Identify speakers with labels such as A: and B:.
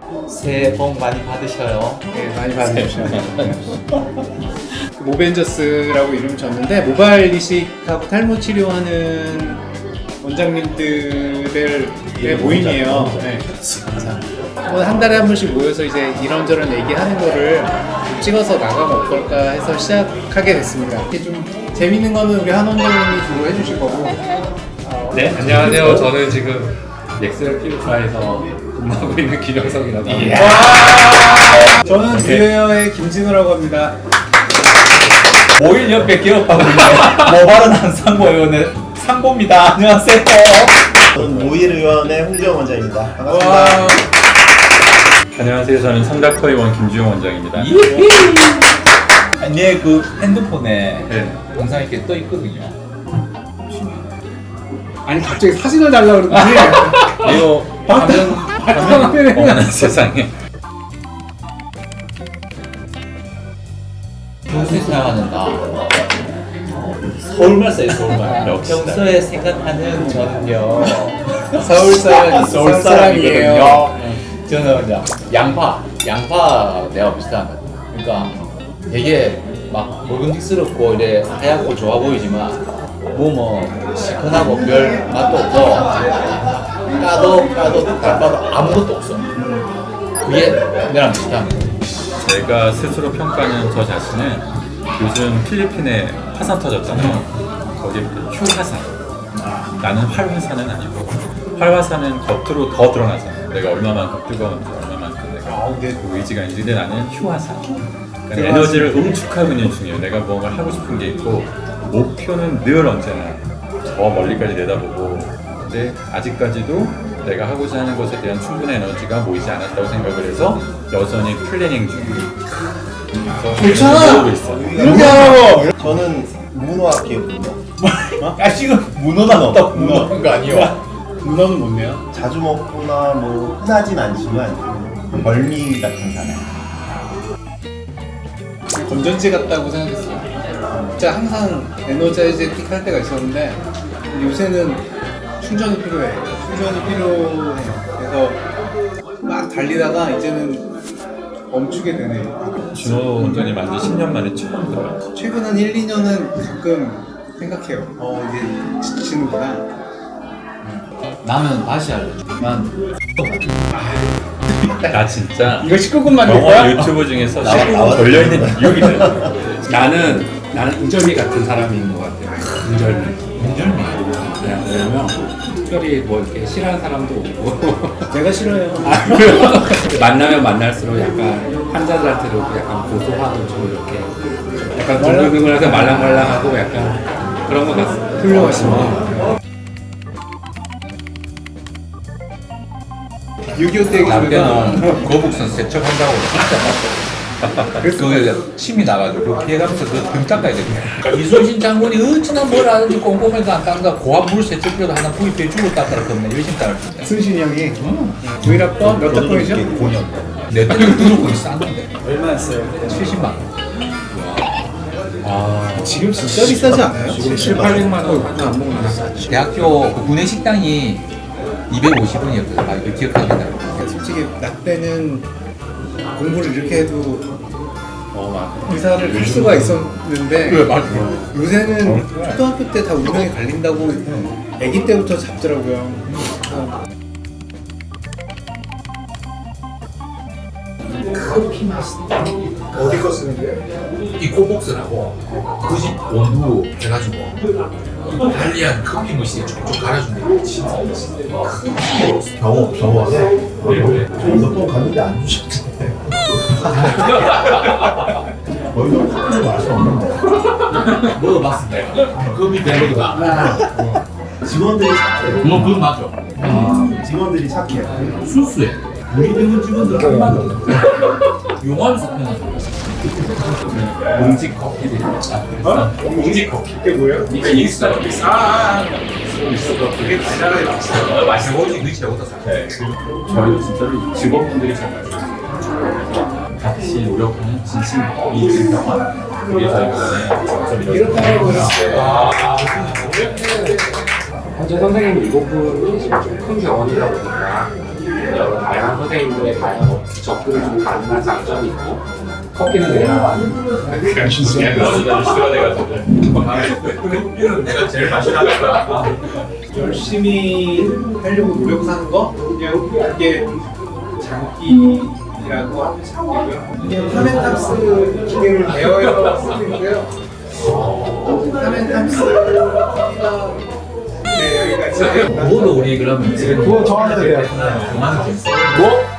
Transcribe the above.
A: 새해 복 많이 받으셔요.
B: 네, 많이 받으십시오. 모벤저스라고 이름 졌는데 모발 이식하고 탈모 치료하는 원장님들의 모임이에요. 네. 한 달에 한 번씩 모여서 이제 이런저런 얘기하는 거를 찍어서 나가면 어떨까 해서 시작하게 됐습니다. 이게 좀 재밌는 거는 우리 한 원장님이 주로 해주실 거고.
C: 네, 안녕하세요. 저는 지금 넥셀 피부과에서 근무하고 있는 김영석이라고 합니다.
B: 저는 뷰웨어의 김진우라고 합니다.
A: 모일 옆에 기업하고 있는 모발은 한 상고의원의 상고입니다. 안녕하세요.
D: 저는 모일의원의 홍지영 원장입니다. 반갑습니다.
B: 와.
C: 안녕하세요. 저는 삼닥터의원 김주영 원장입니다.
A: 내 그 핸드폰에
C: 네.
A: 영상 이렇게 떠 있거든요.
B: 아니 갑자기 사진을 달라고 그러더니
C: 이거
B: 화면에
C: 어머나 세상에.
A: 평소에 생각하는 나 서울말 써요. 서울말.
C: 역시
A: 평소에 생각하는 저는요
B: 서울 사람
A: 서울 사람이거든요. 저는 그냥 양파 내가 비슷한 거. 그러니까 되게 막 먹음직스럽고 이래 하얗고 좋아 보이지만 뭐 시큰하고 별 맛도 없고 까도 닦아도 아무것도 없어. 그게 내랑 비슷한 거.
C: 제가 스스로 평가하는 저 자신은 요즘 필리핀에 화산 터졌잖아요. 거기 휴화산. 나는 활화산은 아니고 활화산은 겉으로 더 드러나잖아. 내가 얼마만큼 뜨거운지 얼마만큼 내가 그 의지가 있는지. 근데 나는 휴화산. 그러니까 에너지를 응축하고 있는 중이에요. 내가 뭔가 하고 싶은 게 있고 목표는 늘 언제나 저 멀리까지 내다보고, 근데 아직까지도 내가 하고자 하는 것에 대한 충분한 에너지가 모이지 않았다고 생각을 해서 여전히 플래닝 중이에요.
B: 괜찮아!
C: 배우고 있어요.
B: 이렇게 하라고!
D: 저는 문어학기거든요.
A: 지금 문어가 넣었다. 문어한 거 아니에요?
B: 문어는 뭔데요?
D: 자주 먹거나 뭐 흔하진 않지만 벌미 같은 사람.
B: 건전지 같다고 생각했어요. 진짜 항상 에너자이제틱 할 때가 있었는데 요새는 충전이 필요해. 그래서 막 달리다가 이제는 멈추게 되네.
C: 준호 원장님 만든 10년 만에 처음 들어요.
B: 최근 한 1, 2년은 가끔 생각해요. 이제 지치는구나.
A: 나는 다시 알려줘. 난
C: 나 진짜
B: 이거 19금 만들 거야?
C: 영화 유튜브 중에서 19금 걸려있는 이유기 때문에.
E: 나는 은절미 같은 사람인 것 같아요. 은절미. 네, 왜냐면 특별히 뭐 이렇게 싫어하는 사람도 없고
B: 내가 싫어요.
E: 만나면 만날수록 약간 환자들한테도 약간 고소하고 좀 이렇게 약간 둥글둥글해서 말랑말랑하고 약간 그런 것 같습니다.
B: 훌륭하십니다. 6.25 때
A: 남편은 거북선 세척한다고 진짜 그 침이 나가지고 그 피해가면서 그등 닦아야 되거든. 이순신 장군이 어찌나 뭘 하는지 꼼꼼해서 안 닦는다. 고압 물 세척기도 하나 구입해 주고 닦으라 그러면 열심히 닦을 수 있다.
B: 순신이 형이 구일합법 몇 학번이죠?
D: 5년.
A: 내 때는 무조건 쌌는데
B: 얼마였어요?
A: 70만 원.
B: 지금 진짜 비싸지 않아요?
E: 지금 7, 800만 원 안 먹는
A: 대학교 그 구내 식당이 250원이었거든. 아 이거 기억하게 된다.
B: 솔직히 나 때는 공부를 이렇게 해도 의사를 할 수가 있었는데 요새는 초등학교 때 다 운명이 갈린다고 아기 때부터 잡더라고요.
A: 커피 맛있다. 어디 거 쓰는데요? 이 코복스라고 그 집 원두 해가지고 달리한 커피 머신에 촉촉 갈아준대. 진짜
D: 병원에 몇번 갔는데 안 주셨잖아요. 거기서 커피 맛이 없는데.
A: 먹어봤습니다. 커피 밸리가
D: 직원들이 착해요.
A: 그거 맞죠?
D: 직원들이 착해요.
A: 수수해. 우리 병원 직원들 한 마디 없어. 용암에서 태어났어. 몽지 커피. 몽지 커피.
B: 이게 뭐예요?
A: 그러니까 인스타 커피. 그게 달달하게 맛있어. 맛있어 보이지 그게 최고다.
C: 저희도 진짜로 직원분들이 정말 같이 노력하는 진심이 진정한 그게 저희 병원의 장점이라고
B: 이렇다고요.
E: 현재 선생님이 7분이 좀 큰 병원이다 보니까 여러 다양한 선생님들의 다양한 접근이 좀 가능한 장점이 있고 커피는 그냥 여기가 수가 돼가지고 내가 제일 맛있다.
B: 열심히 하려고 노력 사는 거 그냥 이게 장기라고 하면 장기고요. 이게 파멘탑스 기계를 대여해서 쓰고 있고요. 파멘탑스 기계가 네, 여기가 있어요.
A: 그거도 우리 그러면 지금
B: 그거 저한테 돼요.
A: 그만큼
C: 뭐?